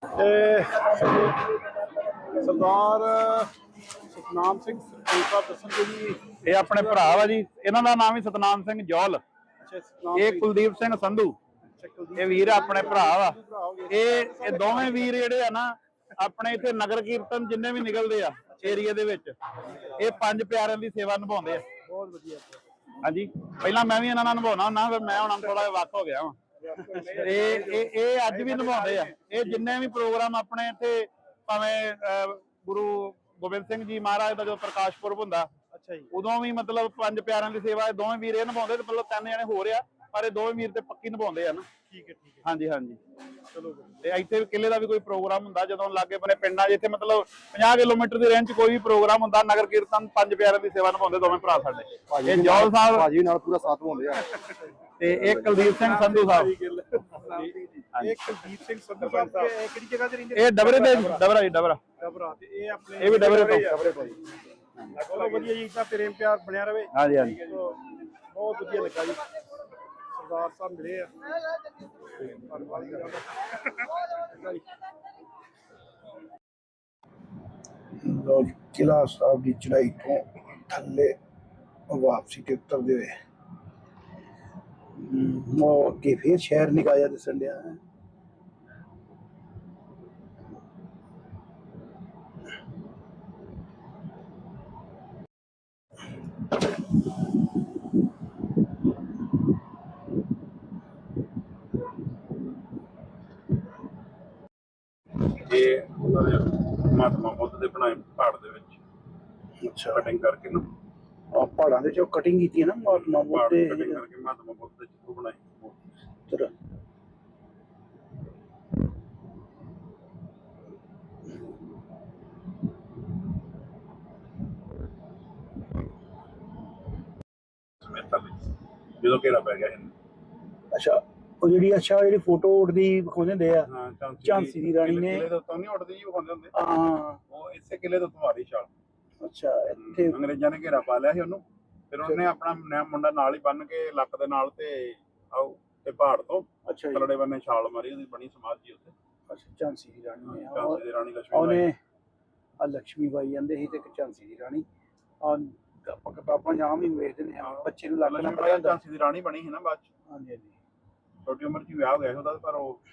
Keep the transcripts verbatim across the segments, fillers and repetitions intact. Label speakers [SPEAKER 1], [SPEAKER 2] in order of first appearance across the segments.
[SPEAKER 1] ਸਰਦਾਰ ਸਤਨਾਮ ਸਿੰਘ ਸਰਪੰਚ ਦੱਸਣਗੇ ਜੀ।
[SPEAKER 2] ਇਹ ਆਪਣੇ ਭਰਾ ਵਾ ਜੀ, ਇਹਨਾਂ ਦਾ ਨਾਮ ਹੀ ਸਤਨਾਮ ਸਿੰਘ ਜੌਲ। ਇਹ ਕੁਲਦੀਪ ਸਿੰਘ ਸੰਧੂ, ਇਹ ਵੀਰ ਆਪਣੇ ਭਰਾ ਵਾ। ਇਹ ਇਹ ਦੋਵੇਂ ਵੀਰ ਜਿਹੜੇ ਆ ਨਾ ਆਪਣੇ ਇੱਥੇ ਨਗਰ ਕੀਰਤਨ ਜਿੰਨੇ ਵੀ ਨਿਕਲਦੇ ਆ ਏਰੀਆ ਦੇ ਵਿੱਚ, ਇਹ ਪੰਜ ਪਿਆਰਿਆਂ ਦੀ ਸੇਵਾ ਨਿਭਾਉਂਦੇ ਆ।
[SPEAKER 1] ਬਹੁਤ ਵਧੀਆ।
[SPEAKER 2] ਹਾਂਜੀ, ਪਹਿਲਾਂ ਮੈਂ ਵੀ ਇਹਨਾਂ ਨਾਲ ਨਿਭਾਉਣਾ ਹੁੰਦਾ, ਫਿਰ ਮੈਂ ਹੁਣ ਥੋੜਾ ਜਿਹਾ ਵੱਖ ਹੋ ਗਿਆ ਵਾ। ਇਹ ਇਹ ਇਹ ਅੱਜ ਵੀ ਨਿਭਾਉਂਦੇ ਆ। ਇਹ ਜਿੰਨੇ ਵੀ ਪ੍ਰੋਗਰਾਮ ਆਪਣੇ ਇੱਥੇ, ਭਾਵੇਂ ਗੁਰੂ ਗੋਬਿੰਦ ਸਿੰਘ ਜੀ ਮਹਾਰਾਜ ਦਾ ਜਦੋਂ ਪ੍ਰਕਾਸ਼ ਪੁਰਬ ਹੁੰਦਾ,
[SPEAKER 1] ਅੱਛਾ ਜੀ,
[SPEAKER 2] ਉਦੋਂ ਵੀ ਮਤਲਬ ਪੰਜ ਪਿਆਰਿਆਂ ਦੀ ਸੇਵਾ ਇਹ ਦੋਵੇਂ ਵੀਰ ਇਹ ਨਿਭਾਉਂਦੇ। ਤੇ ਮਤਲਬ ਤਿੰਨ ਜਣੇ ਹੋ ਰਿਹਾ, ਪਰ ਇਹ ਦੋਵੇਂ ਵੀਰ ਤੇ ਪੱਕੀ ਨਿਭਾਉਂਦੇ ਆ ਨਾ।
[SPEAKER 1] ਠੀਕ ਹੈ ਠੀਕ ਹੈ।
[SPEAKER 2] ਹਾਂਜੀ ਹਾਂਜੀ।
[SPEAKER 1] ਚਲੋ,
[SPEAKER 2] ਤੇ ਇੱਥੇ ਕਿਲੇ ਦਾ ਵੀ ਕੋਈ ਪ੍ਰੋਗਰਾਮ ਹੁੰਦਾ, ਜਦੋਂ ਲਾਗੇ ਬੰਨੇ ਪਿੰਡਾਂ ਜਿੱਥੇ ਮਤਲਬ ਪੰਜਾਹ ਕਿਲੋਮੀਟਰ ਦੀ ਰੇਂਜ 'ਚ ਕੋਈ ਵੀ ਪ੍ਰੋਗਰਾਮ ਹੁੰਦਾ, ਨਗਰ ਕੀਰਤਨ ਪੰਜ ਪਿਆਰਿਆਂ ਦੀ ਸੇਵਾ ਨਿਭਾਉਂਦੇ ਦੋਵੇਂ ਭਰਾ ਸਾਡੇ। ਇਹ ਜੌਲ ਸਾਹਿਬ
[SPEAKER 1] ਭਾਜੀ ਨਾਲ ਪੂਰਾ ਸਾਥ ਨਿਭਾਉਂਦੇ ਆ।
[SPEAKER 2] ਤੇ ਇਹ ਕੁਲਦੀਪ ਸਿੰਘ ਸੰਧੂ ਸਾਹਿਬ।
[SPEAKER 1] ਇਹ ਕੁਲਦੀਪ ਸਿੰਘ ਸੰਧੂ ਸਾਹਿਬ ਕਿਹੜੀ ਜਗ੍ਹਾ ਤੇ ਰਹਿੰਦੇ?
[SPEAKER 2] ਇਹ ਡਬਰੇ ਦੇ ਡਬਰਾ ਜੀ, ਡਬਰਾ
[SPEAKER 1] ਡਬਰਾ। ਤੇ ਇਹ ਆਪਣੇ
[SPEAKER 2] ਇਹ ਵੀ ਡਬਰੇ ਤੋਂ।
[SPEAKER 1] ਡਬਰੇ ਤੋਂ ਜੀ। ਚਲੋ ਵਧੀਆ ਜੀ, ਇਦਾਂ ਪ੍ਰੇਮ ਪਿਆਰ ਬਣਿਆ ਰਵੇ।
[SPEAKER 2] ਹਾਂਜੀ ਹਾਂਜੀ।
[SPEAKER 1] ਬਹੁਤ ਵਧੀਆ ਲੱਗਾ ਜੀ, ਸਰਦਾਰ ਸਾਹਿਬ ਮਿਲੇ ਆ। ਲੋ ਕਿਲਾ ਸਾਹਿਬ ਦੀ ਚੜਾਈ ਤੋਂ ਥੱਲੇ ਵਾਪਸੀ ਤੇ ਉਤਰਦੇ ਹੋਏ ਉਹ ਅੱਗੇ ਫੇਰ ਸ਼ਹਿਰ ਨਿਕਾਇਆ ਦਿਸਣ ਡਿਆ ਹੈ।
[SPEAKER 3] ਇਹ ਉਹਨਾਂ ਦੇ ਮਹਾਤਮਾ ਬੁੱਧ ਦੇ ਬਣਾਏ ਪਹਾੜ ਦੇ ਵਿੱਚ
[SPEAKER 1] ਅੱਛਾ,
[SPEAKER 3] ਕਟਿੰਗ ਕਰਕੇ ਨਾ,
[SPEAKER 1] ਆ ਪਹਾੜਾਂ ਦੇ ਚੋਂ ਕਟਿੰਗ ਕੀਤੀ ਹੈ ਨਾ ਮਹਾਤਮਾ ਬੁੱਧ ਦੇ।
[SPEAKER 3] ਕਟਿੰਗ ਕਰਕੇ ਮਹਾਤਮਾ ਬੁੱਧ ਦੇ ਚਿੱਤਰ ਬਣਾਏ।
[SPEAKER 1] ਚਲੋ
[SPEAKER 3] ਜਦੋਂ ਘੇਰਾ ਪੈ ਗਿਆ ਇਹਨੂੰ।
[SPEAKER 1] ਅੱਛਾ, ਉਹ ਜਿਹੜੀ ਅੱਛਾ ਜਿਹੜੀ ਫੋਟੋ ਉੱਡਦੀ ਵਿਖਾਉਂਦੇ ਹੁੰਦੇ ਆ,
[SPEAKER 3] ਹਾਂ,
[SPEAKER 1] ਝਾਂਸੀ ਦੀ ਰਾਣੀ ਨੇ।
[SPEAKER 3] ਕਿਲੇ ਦੇ ਉੱਤੋਂ ਨਹੀਂ ਉੱਡਦੀ ਜੀ, ਵਿਖਾਉਂਦੇ ਹੁੰਦੇ।
[SPEAKER 1] ਹਾਂ,
[SPEAKER 3] ਉਹ ਇਸੇ ਕਿਲੇ ਤੋਂ ਤੁਹਾਡੀ ਛਾਲ।
[SPEAKER 1] ਅੱਛਾ, ਇੱਥੇ
[SPEAKER 3] ਅੰਗਰੇਜ਼ਾਂ ਨੇ ਘੇਰਾ ਪਾ ਲਿਆ ਸੀ ਉਹਨੂੰ, ਫਿਰ ਉਹਨੇ ਆਪਣਾ ਨਿਆ ਮੁੰਡਾ ਨਾਲ ਹੀ ਬੰਨ ਕੇ ਲੱਕ ਦੇ ਨਾਲ ਤੇ ਆਓ ਤੇ ਪਹਾੜ ਤੋਂ
[SPEAKER 1] ਅੱਛਾ ਜੀ,
[SPEAKER 3] ਥੱਲੜੇ ਬੰਨੇ ਛਾਲ ਮਾਰੀ। ਉਹਦੀ ਬਣੀ ਸਮਾਧੀ ਉੱਤੇ।
[SPEAKER 1] ਅੱਛਾ, ਝਾਂਸੀ ਦੀ ਰਾਣੀ ਨੇ।
[SPEAKER 3] ਝਾਂਸੀ ਦੀ ਰਾਣੀ ਲక్ష్ਮੀ
[SPEAKER 1] ਉਹਨੇ ਆ ਲక్ష్ਮੀ ਬਾਈ ਜਾਂਦੇ ਸੀ ਤੇ ਇੱਕ ਝਾਂਸੀ ਦੀ ਰਾਣੀ। ਆ ਆਪਾਂ ਕਿਤਾਬਾਂ ਜਾਂ ਵੀ ਵੇਖਦੇ ਨੇ, ਬੱਚੇ ਨੂੰ ਲੱਗ ਨਾ ਪੜਿਆ ਹੁੰਦਾ।
[SPEAKER 3] ਝਾਂਸੀ ਦੀ ਰਾਣੀ ਬਣੀ ਸੀ ਨਾ ਬਾਅਦ ਚ।
[SPEAKER 1] ਹਾਂਜੀ ਹਾਂਜੀ।
[SPEAKER 3] ਛੋਟੀ ਉਮਰ 'ਚ ਹੀ ਵਿਆਹ ਹੋ ਗਿਆ ਉਹਦਾ, ਪਰ ਉਹ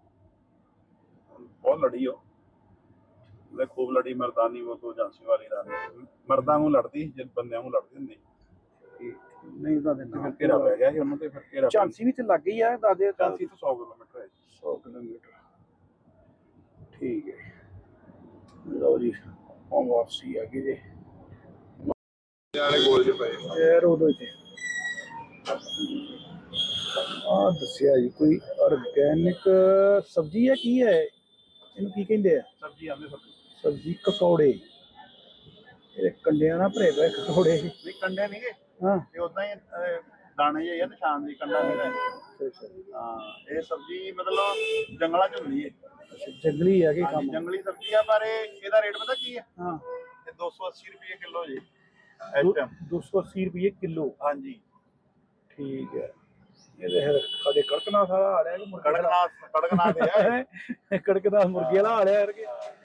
[SPEAKER 3] ਬਹੁਤ ਲੜੀ। ਉਹ ਉਹਦੇ ਖੂਬ ਲੜੀ ਮਰਦਾਨੀ। ਉਹ ਤੋਂ ਝਾਂਸੀ ਵਾਲੀ ਰਾਣੀ ਮਰਦਾਂ ਨੂੰ ਲੜਦੀ, ਜੇ ਬੰਦਿਆਂ ਨੂੰ ਲੜਦੀ ਹੁੰਦੀ।
[SPEAKER 1] ਨਹੀਂ ਉਹਦਾ ਦੇ ਨਾਮ
[SPEAKER 3] ਘੇਰਾ ਪੈ ਗਿਆ ਸੀ ਉਹਨੂੰ, ਤੇ ਫਿਰ ਘੇਰਾ
[SPEAKER 1] ਝਾਂਸੀ ਵੀ ਤੇ ਲੱਗ ਹੀ ਆ ਦਾਦੇ।
[SPEAKER 3] ਝਾਂਸੀ ਤੋਂ ਸੌ ਕਿਲੋਮੀਟਰ ਹੈ।
[SPEAKER 1] ਸੌ ਕਿਲੋਮੀਟਰ। ਠੀਕ ਹੈ, ਲਓ ਜੀ ਹੁਣ ਵਾਪਸੀ ਆ ਗਈ ਜੀ।
[SPEAKER 3] ਵਾਲੇ ਗੋਲ ਜਿਹੇ ਪਏ
[SPEAKER 1] ਯਾਰ ਉਦੋਂ ਤੇ ਆ ਦੱਸਿਆ ਜੀ ਕੋਈ ਆਰਗੈਨਿਕ ਸਬਜ਼ੀ ਹੈ, ਕੀ ਹੈ ਇਹਨੂੰ ਕੀ ਕਹਿੰਦੇ ਆ?
[SPEAKER 3] ਸਬਜ਼ੀ ਆਉਂਦੇ ਸਬਜ਼ੀ
[SPEAKER 1] ਸਬਜ਼ੀ ਕਕੌੜੇ। ਇਹ ਕੰਡਿਆਂ ਨਾਲ ਭਰੇ ਪਏ ਕਕੌੜੇ।
[SPEAKER 3] ਨਹੀਂ, ਕੰਡੇ ਨਹੀਂ ਗੇ,
[SPEAKER 1] ਹਾਂ,
[SPEAKER 3] ਇਹ ਉਦਾਂ ਹੀ ਦਾਣੇ ਜਿਹੇ ਆ, ਨਿਸ਼ਾਨ ਦੀ ਕੰਡਾ ਨਹੀਂ ਹੈ। ਹਾਂ, ਇਹ ਸਬਜ਼ੀ ਮਤਲਬ ਜੰਗਲਾਂ 'ਚ ਹੁੰਦੀ ਹੈ।
[SPEAKER 1] ਅੱਛਾ, ਜੰਗਲੀ ਆ ਕਿ
[SPEAKER 3] ਹਾਂਜੀ,
[SPEAKER 1] ਕੰਮ?
[SPEAKER 3] ਜੰਗਲੀ ਸਬਜ਼ੀ ਆ, ਪਰ ਇਹ ਇਹਦਾ ਰੇਟ ਪਤਾ ਕੀ ਹੈ?
[SPEAKER 1] ਹਾਂ,
[SPEAKER 3] ਇਹ ਦੋ ਸੌ ਅੱਸੀ ਰੁਪਏ ਕਿਲੋ ਜੀ ਇਸ ਟਾਈਮ।
[SPEAKER 1] ਦੋ ਸੌ ਅੱਸੀ ਰੁਪਏ ਕਿਲੋ।
[SPEAKER 3] ਹਾਂਜੀ,
[SPEAKER 1] ਠੀਕ ਹੈ। ਇਹਦੇ ਫਿਰ ਸਾਡੇ ਕੜਕਨਾਥ ਵਾਲਾ ਆ ਰਿਹਾ ਕਿ ਮੁਰਗੇ ਵਾਲਾ?
[SPEAKER 3] ਕੜਕਨਾਥ ਕੜਕਨਾਥ ਹੈ।
[SPEAKER 1] ਕੜਕਨਾਥ ਮੁਰਗੇ ਵਾਲਾ ਆ ਰਿਹਾ ਯਾਰ ਕਿ